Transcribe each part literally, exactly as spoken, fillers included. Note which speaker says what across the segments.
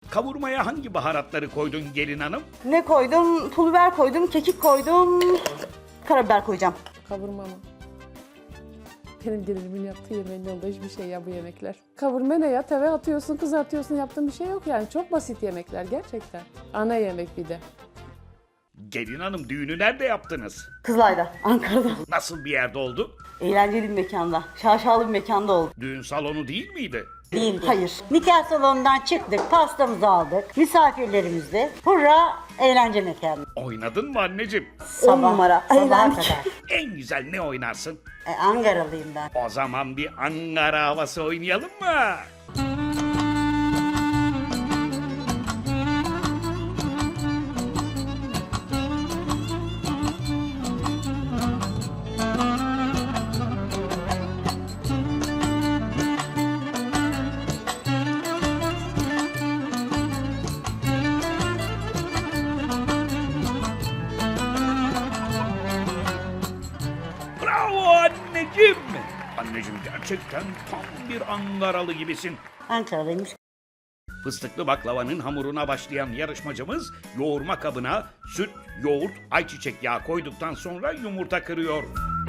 Speaker 1: Kavurmaya hangi baharatları koydun gelin hanım?
Speaker 2: Ne koydum? Pul biber koydum, kekik koydum. Karabiber koyacağım.
Speaker 3: Kavurma mı? Benim gelinimin yaptığı yemeğin yolda hiçbir şey ya bu yemekler. Kavurma ne ya? Tava atıyorsun, kızartıyorsun, yaptığın bir şey yok yani. Çok basit yemekler gerçekten. Ana yemek bir de.
Speaker 1: Gelin hanım düğünü nerede yaptınız?
Speaker 2: Kızılay'da, Ankara'da.
Speaker 1: Nasıl bir yerde oldu?
Speaker 2: Eğlenceli bir mekanda, şaşalı bir mekanda oldu.
Speaker 1: Düğün salonu değil miydi?
Speaker 2: Değildi. Hayır.
Speaker 4: Nikah salonundan çıktık, pastamızı aldık. Misafirlerimizle hurra eğlence mekanı.
Speaker 1: Oynadın mı anneciğim?
Speaker 2: On numara.
Speaker 4: Sabaha
Speaker 2: Eğlendik.
Speaker 4: kadar.
Speaker 1: En güzel ne oynarsın?
Speaker 4: E, Ankaralıyım ben.
Speaker 1: O zaman bir Ankara havası oynayalım mı? Bravo anneciğim. Anneciğim gerçekten tam bir Ankaralı gibisin.
Speaker 4: Ankaralıymış.
Speaker 1: Fıstıklı baklavanın hamuruna başlayan yarışmacımız yoğurma kabına süt, yoğurt, ayçiçek yağı koyduktan sonra yumurta kırıyor.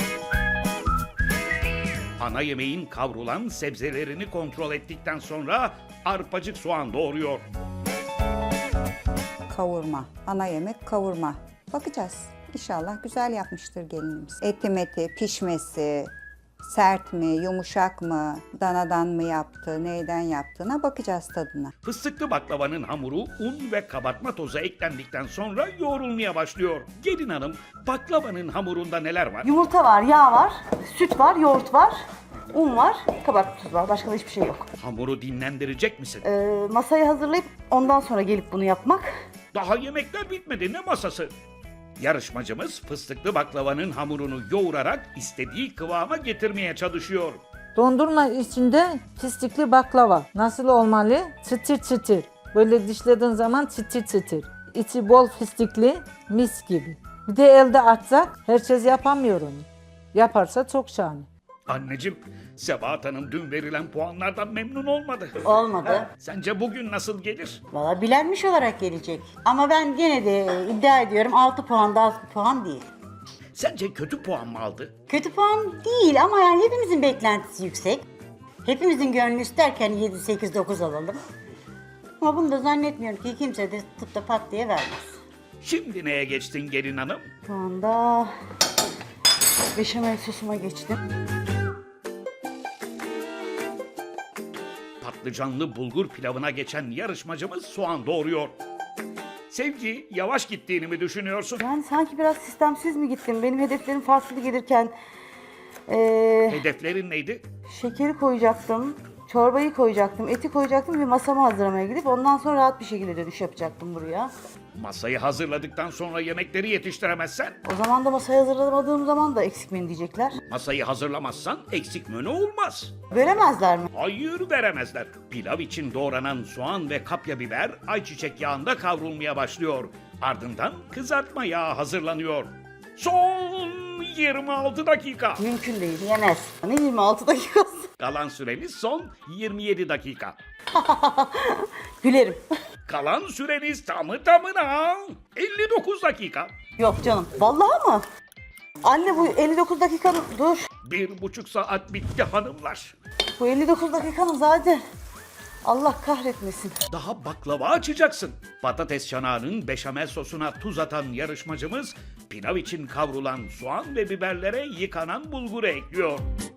Speaker 1: Ana yemeğin kavrulan sebzelerini kontrol ettikten sonra arpacık soğan doğruyor.
Speaker 5: Kavurma. Ana yemek kavurma. Bakacağız. İnşallah güzel yapmıştır gelinimiz. Eti meti, pişmesi, sert mi, yumuşak mı, danadan mı yaptı, neyden yaptığına bakacağız tadına.
Speaker 1: Fıstıklı baklavanın hamuru un ve kabartma tozu eklendikten sonra yoğrulmaya başlıyor. Gelin hanım, baklavanın hamurunda neler var?
Speaker 2: Yumurta var, yağ var, süt var, yoğurt var, un var, kabartma tuzu var. Başka da hiçbir şey yok.
Speaker 1: Hamuru dinlendirecek misin?
Speaker 2: Ee, masayı hazırlayıp ondan sonra gelip bunu yapmak.
Speaker 1: Daha yemekler bitmedi, ne masası? Yarışmacımız fıstıklı baklavanın hamurunu yoğurarak istediği kıvama getirmeye çalışıyor.
Speaker 6: Dondurma içinde fıstıklı baklava. Nasıl olmalı? Çıtır çıtır. Böyle dişlediğin zaman çıtır çıtır. İçi bol fıstıklı, mis gibi. Bir de elde atsak herkes yapamıyor onu. Yaparsa çok şahane.
Speaker 1: Anneciğim, Sebahat Hanım dün verilen puanlardan memnun olmadı.
Speaker 4: Olmadı.
Speaker 1: Sence bugün nasıl gelir?
Speaker 4: Valla bilenmiş olarak gelecek. Ama ben gene de iddia ediyorum altı puan da az bir puan değil.
Speaker 1: Sence kötü puan mı aldı?
Speaker 4: Kötü puan değil ama yani hepimizin beklentisi yüksek. Hepimizin gönlü isterken yedi, sekiz, dokuz alalım. Ama bunu da zannetmiyorum ki kimse de tutup da pat diye vermez.
Speaker 1: Şimdi neye geçtin gelin hanım?
Speaker 2: Şu anda beşamel sosuma geçtim.
Speaker 1: Patlıcanlı bulgur pilavına geçen yarışmacımız soğan doğuruyor. Sevgi, yavaş gittiğini mi düşünüyorsun?
Speaker 2: Yani sanki biraz sistemsiz mi gittim? Benim hedeflerim farklı gelirken ee,
Speaker 1: Hedeflerin neydi?
Speaker 2: şekeri koyacaktım, çorbayı koyacaktım, eti koyacaktım ve masamı hazırlamaya gidip ondan sonra rahat bir şekilde dönüş yapacaktım buraya.
Speaker 1: Masayı hazırladıktan sonra yemekleri yetiştiremezsen,
Speaker 2: O zaman da masayı hazırlamadığım zaman da eksik menü diyecekler.
Speaker 1: masayı hazırlamazsan eksik menü olmaz.
Speaker 2: Veremezler mi?
Speaker 1: Hayır veremezler. Pilav için doğranan soğan ve kapya biber ayçiçek yağında kavrulmaya başlıyor. Ardından kızartma yağı hazırlanıyor. Son yirmi altı dakika.
Speaker 2: Mümkün değil.
Speaker 4: Yemez.
Speaker 2: Ne yirmi altı dakikası?
Speaker 1: Kalan süreniz son yirmi yedi dakika.
Speaker 2: Gülerim.
Speaker 1: Kalan süreniz tamı tamına elli dokuz dakika.
Speaker 2: Yok canım. Vallahi mı? Anne bu elli dokuz dakikanın... Dur.
Speaker 1: Bir buçuk saat bitti hanımlar.
Speaker 2: Bu elli dokuz dakikanın zaten... Allah kahretmesin.
Speaker 1: Daha baklava açacaksın. Patates çanağının beşamel sosuna tuz atan yarışmacımız pilav için kavrulan soğan ve biberlere yıkanan bulguru ekliyor.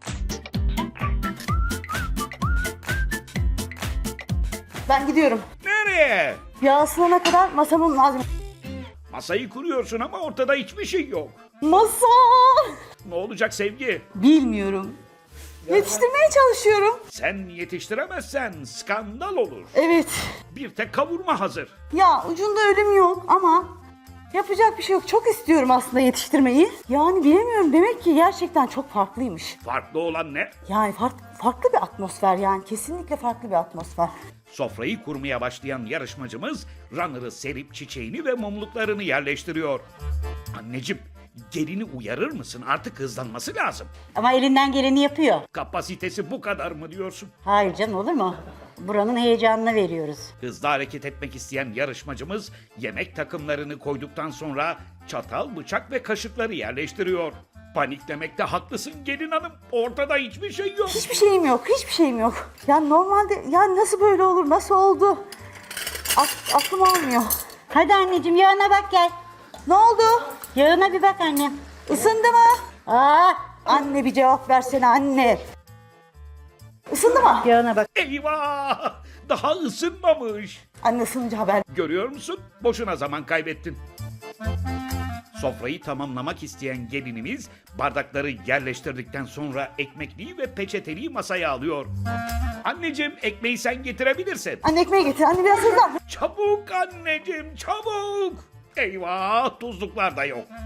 Speaker 2: Ben gidiyorum.
Speaker 1: Nereye?
Speaker 2: Yağ ısınana kadar masamın malzeme...
Speaker 1: Masayı kuruyorsun ama ortada hiçbir şey yok.
Speaker 2: Masa!
Speaker 1: Ne olacak Sevgi?
Speaker 2: Bilmiyorum. Yetiştirmeye çalışıyorum.
Speaker 1: Sen yetiştiremezsen skandal olur.
Speaker 2: Evet.
Speaker 1: Bir tek kavurma hazır.
Speaker 2: Ya ucunda ölüm yok ama yapacak bir şey yok. Çok istiyorum aslında yetiştirmeyi. Yani bilemiyorum. Demek ki gerçekten çok farklıymış.
Speaker 1: Farklı olan ne?
Speaker 2: Yani fark- farklı bir atmosfer yani. Kesinlikle farklı bir atmosfer.
Speaker 1: Sofrayı kurmaya başlayan yarışmacımız runner'ı serip çiçeğini ve mumluklarını yerleştiriyor. Anneciğim, gelini uyarır mısın? Artık hızlanması lazım.
Speaker 4: Ama elinden geleni yapıyor.
Speaker 1: Kapasitesi bu kadar mı diyorsun?
Speaker 4: Hayır canım olur mu? buranın heyecanını veriyoruz.
Speaker 1: Hızlı hareket etmek isteyen yarışmacımız yemek takımlarını koyduktan sonra çatal, bıçak ve kaşıkları yerleştiriyor. Paniklemekte haklısın gelin hanım. Ortada hiçbir şey yok.
Speaker 2: Hiçbir şeyim yok, hiçbir şeyim yok. Ya normalde, ya nasıl böyle olur, nasıl oldu? Ak- aklım almıyor.
Speaker 4: Hadi anneciğim yağına bak gel.
Speaker 2: Ne oldu?
Speaker 4: Yağına bir bak annem.
Speaker 2: Isındı mı?
Speaker 4: Aa,
Speaker 2: Anne bir cevap versene anne. Isındı mı?
Speaker 4: yağına bak.
Speaker 1: Eyvah! Daha ısınmamış.
Speaker 2: Anne ısınınca haber.
Speaker 1: Görüyor musun? Boşuna zaman kaybettin. Sofrayı tamamlamak isteyen gelinimiz bardakları yerleştirdikten sonra ekmekliği ve peçeteliği masaya alıyor. Anneciğim ekmeği sen getirebilirsin.
Speaker 2: Anne ekmeği getir, anne biraz hızlan.
Speaker 1: Çabuk anneciğim çabuk. Eyvah tuzluklar da yok.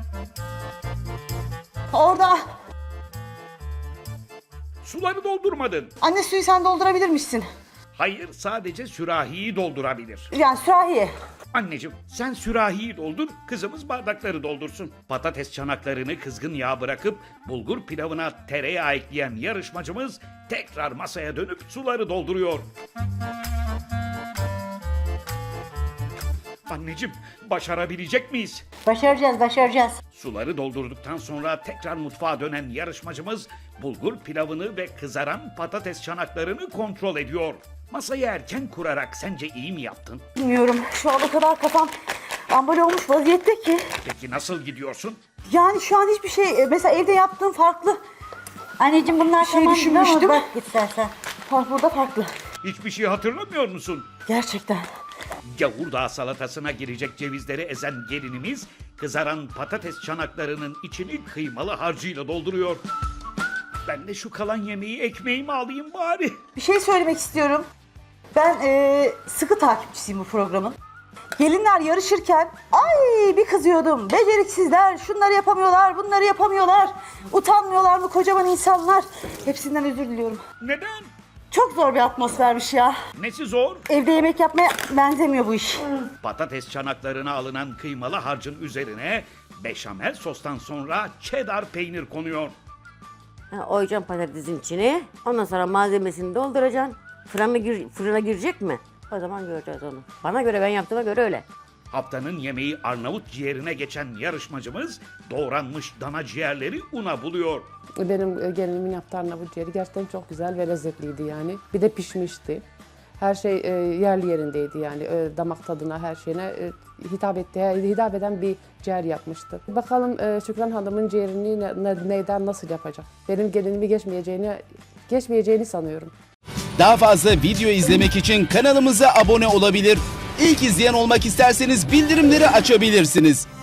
Speaker 2: Orada.
Speaker 1: Suları doldurmadın.
Speaker 2: Anne suyu sen doldurabilirmişsin.
Speaker 1: Hayır sadece sürahiyi doldurabilir.
Speaker 2: Yani sürahiye.
Speaker 1: Anneciğim sen sürahiyi doldur, kızımız bardakları doldursun. Patates çanaklarını kızgın yağa bırakıp bulgur pilavına tereyağı ekleyen yarışmacımız tekrar masaya dönüp suları dolduruyor. Anneciğim başarabilecek miyiz?
Speaker 4: Başaracağız, başaracağız.
Speaker 1: Suları doldurduktan sonra tekrar mutfağa dönen yarışmacımız bulgur pilavını ve kızaran patates çanaklarını kontrol ediyor. Masayı erken kurarak sence iyi mi yaptın?
Speaker 2: Bilmiyorum, şu an o kadar kafam ambal olmuş vaziyette ki.
Speaker 1: Peki nasıl gidiyorsun?
Speaker 2: Yani şu an hiçbir şey, mesela evde yaptığım farklı.
Speaker 4: Anneciğim bunlar
Speaker 2: Şey
Speaker 4: tamam gibi ama
Speaker 2: düşünmüştüm.
Speaker 4: bak istersen.
Speaker 2: Fark burada farklı.
Speaker 1: Hiçbir şey hatırlamıyor musun?
Speaker 2: Gerçekten.
Speaker 1: Gavurdağ salatasına girecek cevizleri ezen gelinimiz kızaran patates çanaklarının içini kıymalı harcıyla dolduruyor. Ben de şu kalan yemeği ekmeğime alayım bari.
Speaker 2: Bir şey söylemek istiyorum. Ben eee, sıkı takipçisiyim bu programın. Gelinler yarışırken ay bir kızıyordum. Beceriksizler, şunları yapamıyorlar, bunları yapamıyorlar. Utanmıyorlar mı kocaman insanlar? Hepsinden özür diliyorum.
Speaker 1: Neden?
Speaker 2: Çok zor bir atmosfermiş ya.
Speaker 1: Nesi zor?
Speaker 2: Evde yemek yapmaya benzemiyor bu iş.
Speaker 1: Patates çanaklarına alınan kıymalı harcın üzerine beşamel sostan sonra cheddar peynir konuyor.
Speaker 7: Ha, oyacaksın patatesin içine. Ondan sonra malzemesini dolduracaksın. Fırına, gir, fırına girecek mi? O zaman göreceğiz onu. Bana göre, ben yaptığıma göre öyle.
Speaker 1: Haftanın yemeği Arnavut ciğerine geçen yarışmacımız doğranmış dana ciğerleri una buluyor.
Speaker 3: Benim e, gelinimin yaptığı Arnavut ciğeri gerçekten çok güzel ve lezzetliydi yani. Bir de pişmişti. Her şey e, yerli yerindeydi yani. E, damak tadına, her şeyine e, hitap etti, hitap eden bir ciğer yapmıştı. Bakalım e, Şükran Hanım'ın ciğerini ne, ne- neyden nasıl yapacak? Benim gelinimi geçmeyeceğini, geçmeyeceğini sanıyorum.
Speaker 8: Daha fazla video izlemek için kanalımıza abone olabilir. İlk izleyen olmak isterseniz bildirimleri açabilirsiniz.